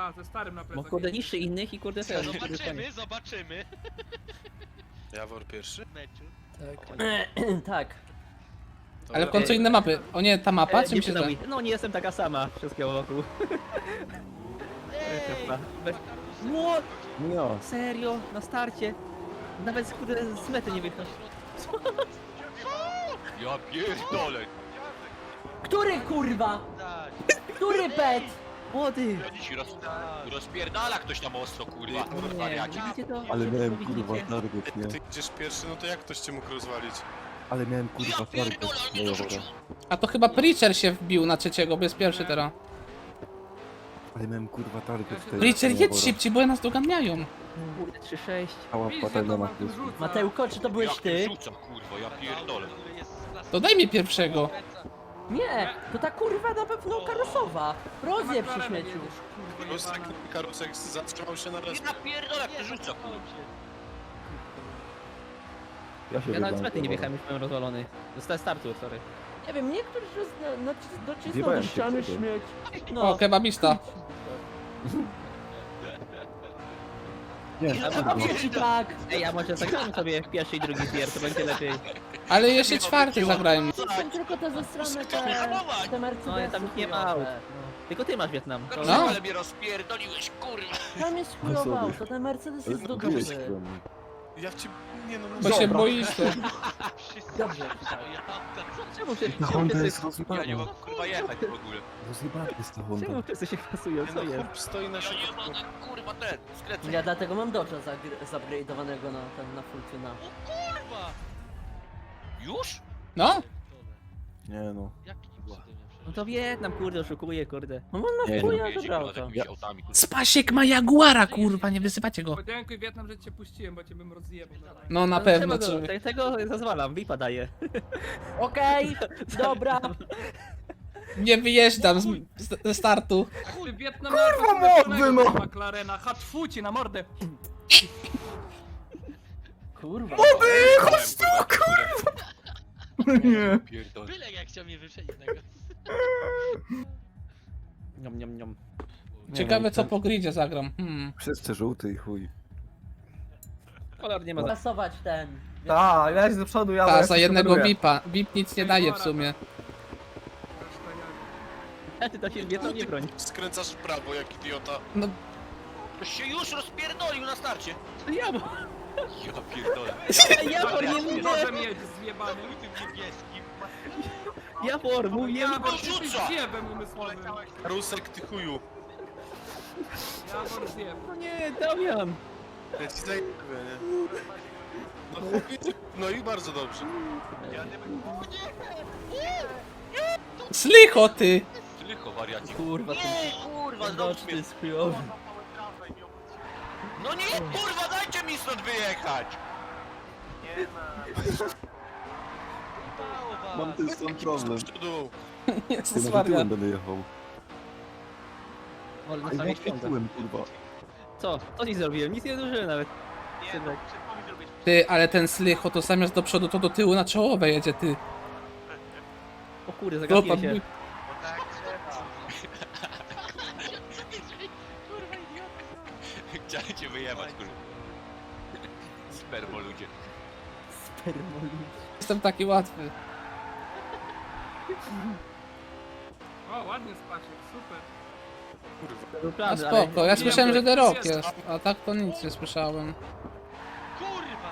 Ta, ze starym na Bo plecach. kurde niższy innych i kurde ten. Zobaczymy. Jawor pierwszy? Meczu. Tak. Ale w końcu inne mapy. O nie, ta mapa, czy mi się pytał zda? mi. No nie jestem taka sama, wszystkiego wokół. Bez... What? No. Serio? Na starcie? Nawet kurde z mety nie wychodzi. Ja pierdolę! Który kurwa? Tak. Który pet? Młody! Ci rozpierdala ktoś tam ostro, kurwa. Wariacie. Widzicie to? Ale miałem Widzicie? kurwa target, nie? Ty idziesz pierwszy, no to jak ktoś cię mógł rozwalić? Ale miałem kurwa target. No dobra. A to chyba Preacher się wbił na trzeciego, bo jest pierwszy teraz. Ale miałem kurwa target w tej... Preacher, jedź Dobra. szybciej, bo nas doganiają. Kurde 3-6. Cała Widzisz, patelnia jak na on plus. rzuca. Mateuko, czy to byłeś Jak ty? rzuca, kurwa, ja pierdolę. To daj mi pierwszego. Nie, to ta kurwa na pewno karosowa. Rozjeb przy McLarenem śmieciu. jedziesz, kurwa, Karusek, jebany. karusek zatrzymał się na raz. Ja pierdolę, jak to rzuca, kurwa. Ja się Ja nawet z wybrałem, mety nie dobra. wjechałem, już byłem rozwalony. Zostałem startu, sorry. Nie wiem, niektórzy docisnął Wjebałem do się ściany wtedy. śmieć. O, No, kebabista. Nie, a powiem ci tak. Ej, a może zagramy sobie pierwszy i drugi tier, to będzie lepiej. Ale jeszcze czwarty zagrajmy. Są tylko te zestrane te Mercedesy. No, tam ich nie ma aut. Tylko ty masz Wietnam. No. Ale mnie rozpierdoliłeś, kurwa. Tam jest chujowy auto, ten Mercedes jest do Zrobiłeś dupy. we mnie. Ja w cię... Nie no, Bo się boisz. To. Dobrze. Czemu się Ta Honda jest Ja nie rozjebana. mogę, kurwa, jechać w ogóle. Rozjebana jest ta Honda. Czemu wszyscy się kasują, co no jest? chłop stoi na Ja środku. jebana, kurwa, ten, skrecę. Ja dlatego mam Dodge'a zupgrade'owanego na full tuna. Kurwa! Już? No? Nie no. Jakim cudem ja No to Wietnam, kurde, oszukuje, kurde. No on Nie, ma chuja Jedzie, dobra kurwa, z auto. jakimiś autami, kurwa. Spasiek ma Jaguara, kurwa, nie wyzywacie go. Podziękuj Wietnam, że cię puściłem, bo cię bym rozjebał. No na No, pewno, trzeba czy... Tego zazwalam, VIPa daje. Okej, dobra. Nie wyjeżdżam ze startu. Ty Wietnam kurwa mordy, no! McLarena, hatfu ci na mordę. Kurwa. Chodź tu, kurwa! Nie. Pierdolę. Byle jak chciał mnie wyprzedzić tego. Niom, niom, niom. Ciekawe co po gridzie zagram. Wszyscy żółty i chuj. Kolor nie ma. Pasować ten. Tak, ja do przodu, ja Ta, za jednego VIP-a. VIP nic nie daje w sumie. Ty to się Wietnam nie broń. Skręcasz w prawo jak idiota. No, To się już rozpierdolił na starcie. Ja Ja pierdolę. Jawor, nie mówię! Może mieć zjebany. Tym niebieskim. Jawor, mówię! Jawor, to ty jesteś rzuca. zjebem umysłowym. Karusek, ty chuju. Jawor zjeb. No nie, Damian! Ja ci zajebę, nie? No chłopie, no i bardzo dobrze. slicho ty! Tylko wariaci. Kurwa, ten Kurwa, znowu Dodge mnie... jest chujowy. No nie, kurwa, dajcie mi stąd wyjechać! Mam ten sam problem. Z przodu. Jezus Ty może Maria. tyłem będę jechał. Ale na Ej, samej jak świątek. tyłem, kurwa. Co? Co ci zrobiłem? Nic nie zdążyłem nawet. Synek. Ty, ale ten slicho to zamiast do przodu to do tyłu na czołowe jedzie, ty. O kurde, Chłopa, zagapiłem się. mój- Chciałem cię wyjebać, kurwa. Spermo ludzie. Spermolud. Jestem taki łatwy. O, ładnie Spasiek, super. Był No plan, spoko, ja nie słyszałem, wiem, że The to Rock jest, a tak to nic nie słyszałem. Kurwa!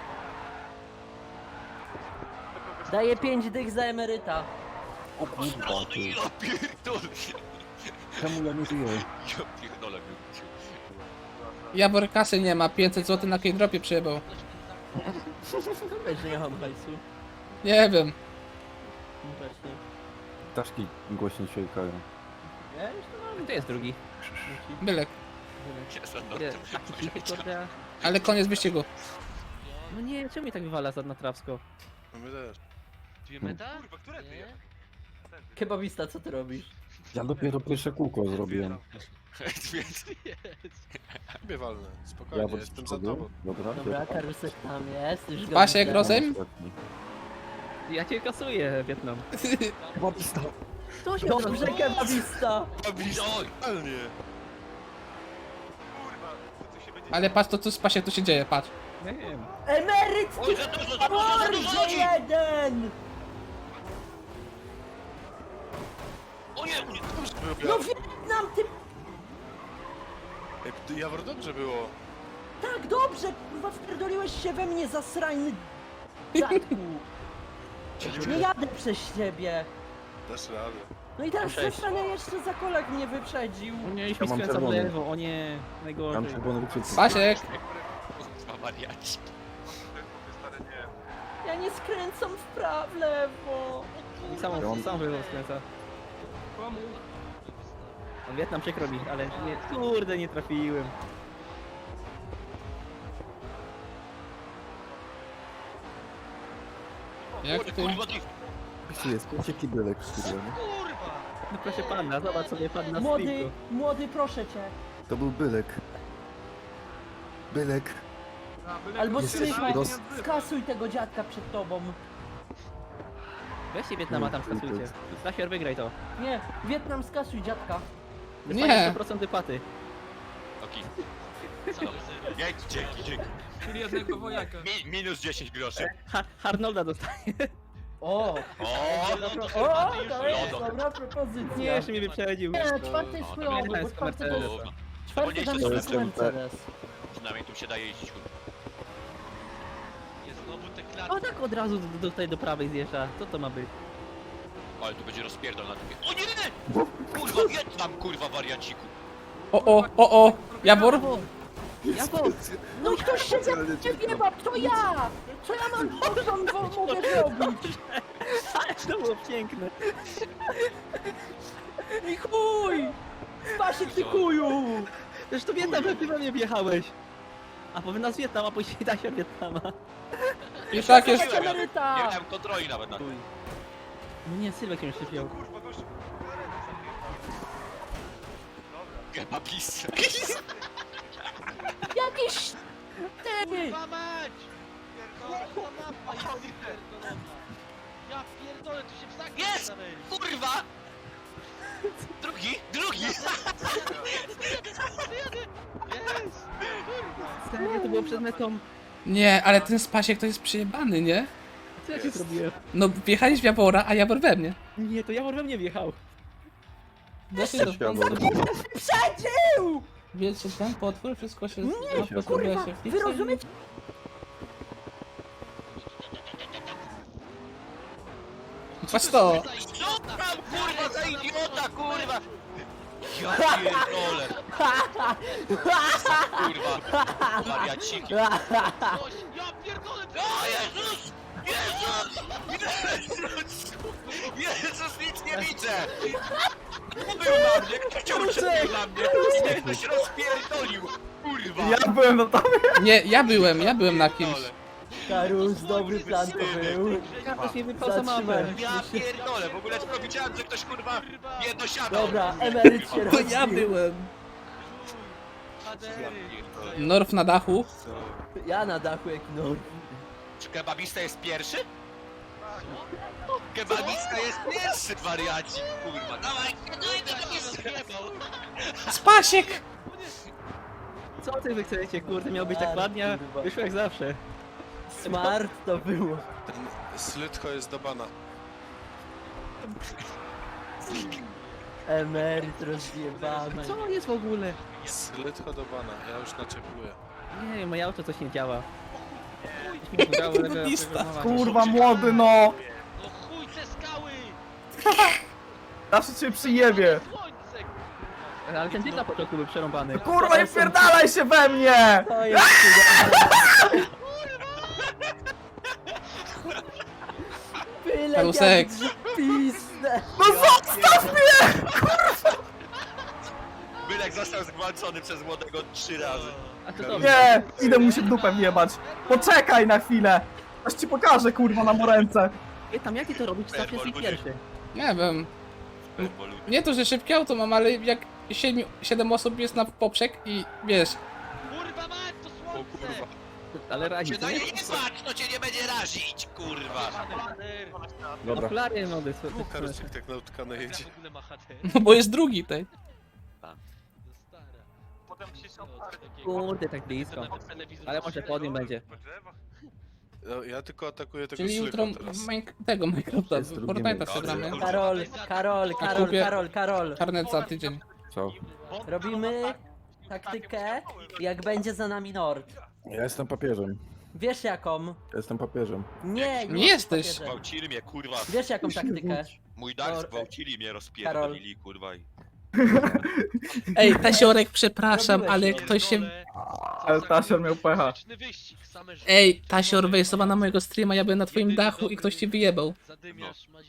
Daję 5 dych za emeryta. O kurwa, ty. Ja pierdolę. Czemu ja nie żyję? Ja pierdolę. był. Jawor kasy nie ma, 500 zł na K-dropie przyjebał. Weź, że nie mam hajsu. Nie wiem. No właśnie. Ptaszki głośno ćwierkają. Ja już to mam. To jest drugi. Bylek. Jestem na Ile? tym. Taki cichy, kurde. Ale koniec wyścigu. No nie, czemu mi tak wywala za trawsko? No my też. Dwie meta? Kurwa, które ty Nie? jechałeś? Kebabista, co ty robisz? Ja dopiero pierwsze kółko zrobiłem. Więc Ciebie walnę, spokojnie, Ja pod jestem za przodu. tobą. Dobra, Dobra, karusek tam jest. Już go Spasiek, widzę. rozejm? Ostatni. Ja cię kasuję, Wietnam. Chyba dostał. To się dobrze, kebabista! Oj! Idealnie. Ale patrz to co spasie tu się dzieje, patrz. Nie wiem. Emeryt, Oj, za dużo, za dużo, za dużo mordzie ludzi! jeden! O nie, Dobrze było, No Jawor. Wietnam, ty Ej, Jawor, dobrze było. tak dobrze, kurwa, wpierdoliłeś się we mnie, zasrajny dziadku. Nie jadę przez ciebie. Dasz radę. No i teraz Cześć. zasrany jeszcze za kolek mnie wyprzedził. O nie, Ja mi mam skręca w czerwony. lewo, o nie, Mam najgorzej. czerwony wyczucie. Spasiek! kurwa wariaci. Ja nie skręcam w prawo, lewo. I sam w lewo skręca. Komu? A Wietnam przykro mi, ale nie, kurde, nie trafiłem. Jak ty? Kurwa, ty... Tu jest pierwszy kibelek, kurwa, nie? Kurwa! No proszę pana, zobacz sobie pan na Młody, streamku. młody, proszę cię. To był bylek. Bylek. A, byle Albo ktoś się Slycho, dalej nie odzywa. skasuj tego dziadka przed tobą. Weźcie Wietnama tam skasujcie. Stasior, wygraj to. Nie, Wietnam, skasuj dziadka. Nie. 100% wypłaty. Oki. Dzięki, dzięki, dzięki. Czyli jednego wojaka. Minus 10 groszy. Arnolda dostaje. O, O, no to o, to jest Lodo. dobra propozycja. Nie, jeszcze mnie wyprzedził. Nie, czwarty jest No, chujowy, dobra, bo jest czwarty to jest... Mercedes. Kurwa. Czwarty tam To jest jest Mercedes. Przynajmniej tu się daje jeździć, kurwa. Jest znowu te O klatki. tak od razu tutaj do prawej zjeżdża. Co to ma być? Ale tu będzie rozpierdol na tym. O nie! Kurwa, Wietnam, kurwa, wariaciku. O! Jawor? Jawor! No i ktoś się ze mnie wiewa, to ja! Co ja mam mogę zrobić? Ale to było piękne. I chuj! Spasiek, ty kuju! Przecież to Wietnam, że ty we mnie wjechałeś. A powinien nas Wietnam, a później da się Wietnama. I tak jest... Spasiek emeryta! Nie miałem kontroli nawet na tym. No nie, Sylwek mnie szczypiał. Kebabis. Jakiś... Ty! Kurwa mać! Pierdolę, ta mapa jest pierdolona. Ja pierdolę, tu się psaki Jest! zawęli. Kurwa! Drugi! Jest! Kurwa! Serio, to było przed metą. Nie, ale ten Spasiek to jest przyjebany, nie? Co ja ci zrobiłem? No wjechałeś w Jawora, a Jawor we mnie. Nie, to Jawor we mnie wjechał. Dosyć do Jawor. Przedził! Wiecie, ten potwór, wszystko się... Nie, kurwa, wy rozumiecie? Patrz to! Co tam, kurwa, za idiota, kurwa! Ja pierdolę! Kurwa! Wariaciki! Coś, ja pierdolę! O Jezus! Jezus! Jezus! Jezus, nic nie widzę! Kto był na mnie? Kto chciał uciekać dla mnie? Nie, ktoś rozpierdolił! Kurwa! Ja byłem na tobie. Nie, ja byłem na kimś. Pierdolę. Karus, dobry plan to był. Ktoś mnie wypał za mapę. Ja pierdolę, w ogóle tylko widziałem, że ktoś kurwa jedno siadał. Dobra, emeryt się To ja rozbił. byłem. Hadery! Norf na dachu. Ja na dachu jak no. Czy kebabista jest pierwszy? Kebabista jest pierwszy, wariaci! Kurwa, dawaj, Rozjebał! Spasiek! Co ty wy chcecie, kurde, miał być tak ładnie, a wyszło jak zawsze. Smart to było. Ten Slytko jest do bana. Emeryt rozjebany. Co jest w ogóle? Slytko do bana, ja już naczepuję. Nie wiem, moje auto coś nie działa. Kebabista. Kurwa młody no! No chuj te skały! Zawsze cię przyjebie! Słońce! Ale ten typ na początku był przerąbany. Kurwa, nie wpierdalaj się we mnie! To jest Byle Karusek. pizdę. No zostaw mnie! Bylek został zgwałcony przez młodego 3 razy. A co to? Nie, idę mu się w dupę wjebać. Poczekaj na chwilę. Aż ci pokażę, kurwa, na moręce. Tam jak ty to robisz, zawsze jesteś pierwszy. Nie wiem. Nie to, że szybkie auto mam, ale jak 7 osób jest na poprzek i wiesz... Kurwa mać, to słońce! Ale radzi, Cię co na nie? nie patrz, to cię nie będzie razić, kurwa. Hader! Dobra. Okulary młody, Karusik tak na utkane jedzie. W ogóle ma hader. No bo jest drugi tej. To stara. Potem się Kurde, tak blisko. Ale może podium będzie. No, ja tylko atakuję tego Czyli jutro Slyka teraz. tego Minecrafta, Jest drugi Fortnite'a mecz. przegramy. Karol. Karnet za tydzień. Co? Robimy taktykę, jak będzie za nami Nord. Ja jestem papieżem. Wiesz jaką? Ja jestem papieżem. Nie jesteś. papieżem. Gwałcili mnie, kurwa. Wiesz jaką taktykę? Mój dach Or- zgwałcili mnie, rozpierdolili, kurwa. Ej, Tasiorek, przepraszam, Robiłeś ale to. ktoś się... Ale Tasior miał pecha. Wyścig, same Ej, Tasior, wejdź sobie na mojego streama, ja byłem na twoim dachu i ktoś ci wyjebał. Zadymiarz,